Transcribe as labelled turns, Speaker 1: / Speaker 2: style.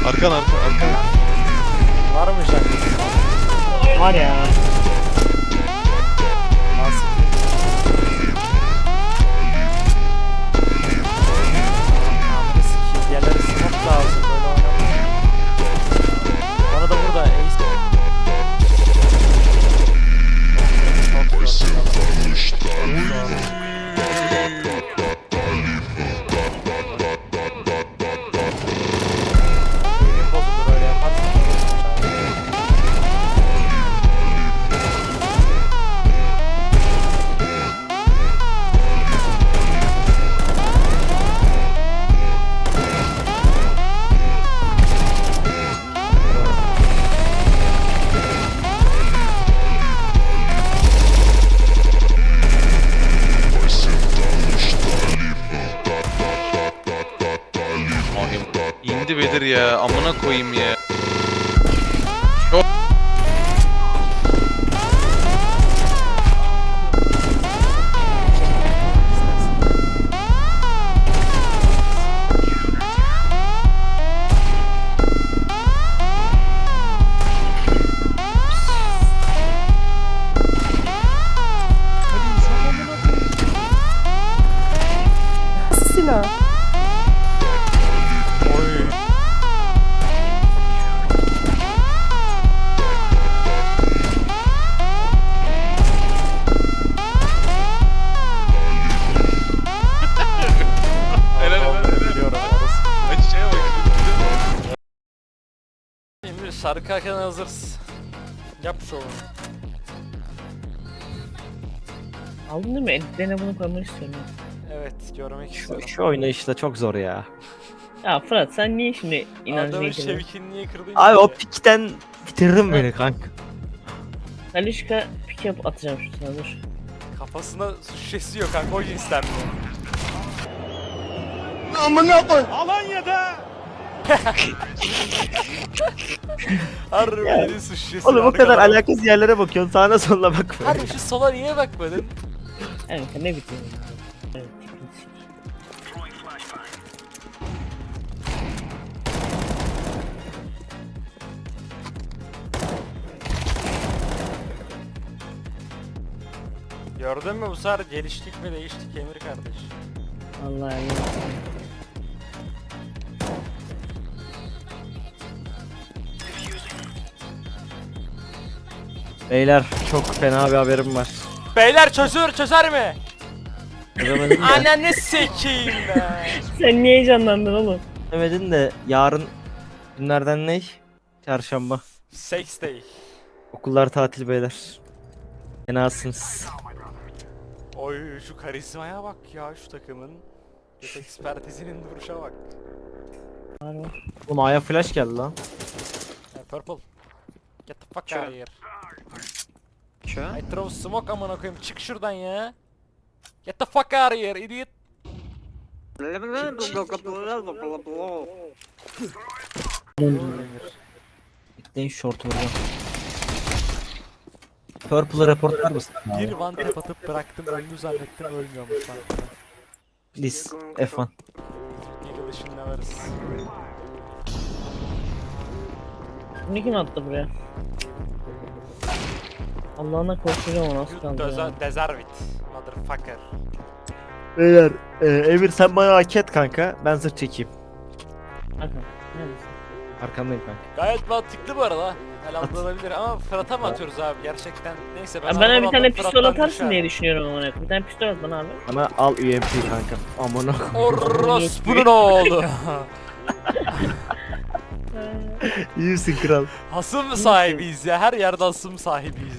Speaker 1: Arkan arkan.
Speaker 2: Var mı şarkı?
Speaker 3: Var ya.
Speaker 2: Nasıl? Amına sikeyim. Yerleri smoke lazım. Böyle oynamayın. Bana da burada ace. Çok zor. Benim bozulur öyle yaparsan.
Speaker 1: İndi Bedir ya. Amına koyayım ya.
Speaker 4: Silah.
Speaker 2: Oy. Biliyorum orası.
Speaker 1: Açıya bak.
Speaker 2: Şimdi şarkı hakkında hazırız. Yap şovunu.
Speaker 3: Aldın değil mi? Editlerine bunu koymak istiyorum.
Speaker 2: Evet, görmek istiyorum.
Speaker 5: Şu oynayışla çok zor ya.
Speaker 3: Ya Fırat sen niye şimdi inancını
Speaker 2: Adamın
Speaker 3: yitirdin?
Speaker 2: şevkini niye kırdın
Speaker 5: Abi
Speaker 2: ki?
Speaker 5: o pikten bitirdin beni kanka.
Speaker 3: Talişka pick up atacağım şu sana dur.
Speaker 2: Kafasına su şişesi yok kanka, o cinsten mi? Harbi benim su şişesi.
Speaker 5: Oğlum o kadar
Speaker 2: arkadan.
Speaker 5: alakasız yerlere bakıyorsun, sağına soluna bakma.
Speaker 2: Harbi şu sola niye bakmadın?
Speaker 3: Evet ne bitiyor? Evet.
Speaker 2: Gördün mü bu sefer geliştik mi değiştik Emir kardeş.
Speaker 3: Vallahi Allah.
Speaker 5: Beyler çok fena bir haberim var.
Speaker 2: Beyler çözer mi?
Speaker 5: Çözemedim de,
Speaker 2: Ananı sikeyim be.
Speaker 3: Sen niye heyecanlandın oğlum?
Speaker 5: çözemedim de yarın günlerden ne? Çarşamba.
Speaker 2: Sex day.
Speaker 5: Okullar tatil beyler. Fenasınız.
Speaker 2: Oy şu karizmaya bak ya şu takımın. Jet ekspertizinin duruşa bak.
Speaker 3: Var var.
Speaker 5: Oğlum A'ya flash geldi lan.
Speaker 2: Hey, purple. Get the fuck out of here. I throw smoke amına koyayım, çık şuradan ya. Get the fuck out of here idiot.
Speaker 5: Bekleyin short vuracağım. Purple'ı reportlar mısın?
Speaker 2: Bir one tap atıp bıraktım, öldü zannettim, ölmüyormuş lan.
Speaker 5: Please F1.
Speaker 2: Eagle ışınla varız.
Speaker 3: Bunu kim attı buraya? Allah'ına korkacağım o nasıl kaldı ya.
Speaker 2: Deservit. Motherfucker.
Speaker 5: Beyler Emir sen bana hak et kanka. Ben zırh çekeyim.
Speaker 3: Bakın. Neredesin?
Speaker 5: Arkandayım kanka.
Speaker 2: Gayet mantıklı bu arada. Helal olabilir ama Fırat'a mı atıyoruz abi gerçekten? Neyse ben
Speaker 3: Ya bana bir
Speaker 2: anlamadım,
Speaker 3: tane pistol
Speaker 2: Fırat'tan
Speaker 3: atarsın
Speaker 2: düşer.
Speaker 3: diye düşünüyorum amına koyayım. Bir tane pistol at bana abi.
Speaker 5: Bana al UMP kanka. Amına.
Speaker 2: Orospu'nun oğlu.
Speaker 5: İyi misin kral?
Speaker 2: Hasım sahibiyiz ya, her yerde hasım sahibiyiz